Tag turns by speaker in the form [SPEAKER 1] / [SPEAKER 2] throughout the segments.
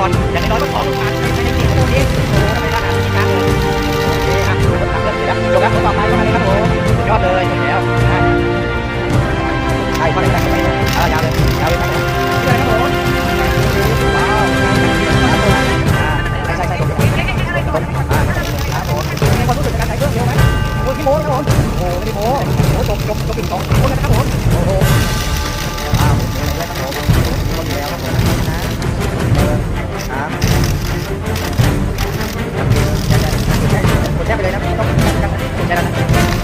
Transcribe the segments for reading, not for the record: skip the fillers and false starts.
[SPEAKER 1] อนอย่างน้อยก็2 ลูกบาศก์ไม่ได้4 ชั่วโมงนี้โอ้โหทำไมขนาดนี้ครับโอเคครับดูคนทำเรื่องเสร็จแล้วจบแล้วต่อไปก็มาเลยครับผมยอดเลยจบแล้วใช่ข้อแรกไปยาวเลยครับผมว้าวใช่ตรงครับผมมีความรู้สึกในการใช้เครื่องเร็วไหมโอ้ยพี่โม้ครับผมโอ้ไม่ได้โม้โอ้จบปิด2 โม้เลยครับผมโอ้โหว้าวเลยครับผมต้นแล้วครับผมครับกดแยกไปเลยนะต้องกดแยกแล้วนะ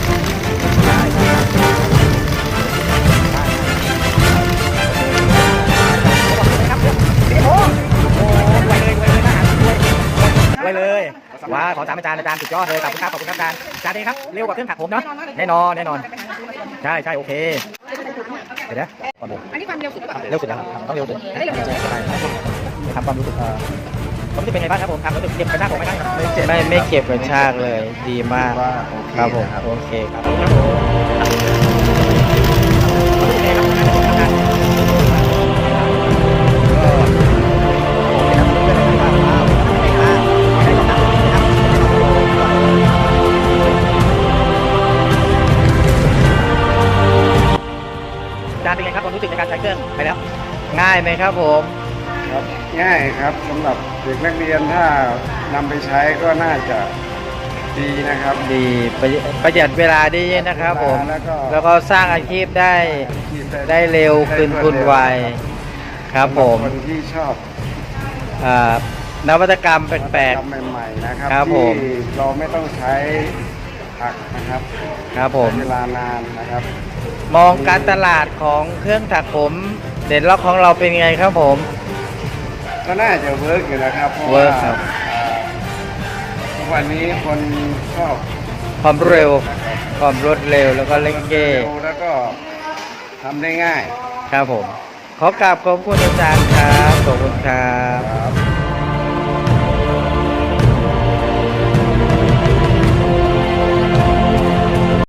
[SPEAKER 1] ไวเลยว้าขอถามอาจารย์สุดยอดเลยขอบคุณครับอาจารย์เองครับเร็วกว่าเครื่องถักผมเนาะแน่นอนใช่โอเคเดี๋ยวนะ
[SPEAKER 2] อันนี้ความเร็วสุดป่ะ
[SPEAKER 1] เร็วสุดแล้วต้องเร็วสุดทำความรู้สึกผมจะเป็นไงบ้างครับผมทำรู้สึกเจ็บกระชากผมไหมครับ
[SPEAKER 3] ไม่เก็บกระชากเลยดีมากครับผมโอเคครับ
[SPEAKER 1] อาจารย์เป็นไงครับความรู้สึกในการใช้เครื่องไปแล้ว
[SPEAKER 3] ง่ายไหมครับผม
[SPEAKER 4] ครับง่ายครับสำหรับเด็กนักเรียนถ้านำไปใช้ก็น่าจะดีนะครับ
[SPEAKER 3] ดีประหยัดเวลาได้เยอะนะครับผมแล้วก็สร้างอาชีพได้เร็วคืนทุนไวครับผม
[SPEAKER 4] คนที่ชอบ
[SPEAKER 3] นวัตกรรมแปลก
[SPEAKER 4] ๆใหม่ๆนะครับที่เราไม่ต้องใช้ผักนะครับ
[SPEAKER 3] ครับผม
[SPEAKER 4] เวลานานนะครับ
[SPEAKER 3] มองการตลาดของเครื่องถักผมเด่นล็อกของเราเป็นไงครับผม
[SPEAKER 4] ก็น่าจะเวิร์กอยู่นะครับเพราะ
[SPEAKER 3] ว่า
[SPEAKER 4] ทุกวันนี้คนชอบ
[SPEAKER 3] ความรวดเร็วแล้วก็เล่นเกม
[SPEAKER 4] แล้วก็ทำได้ง่าย
[SPEAKER 3] ครับผมขอกราบขอบคุณอาจารย์ครับขอบคุณครับ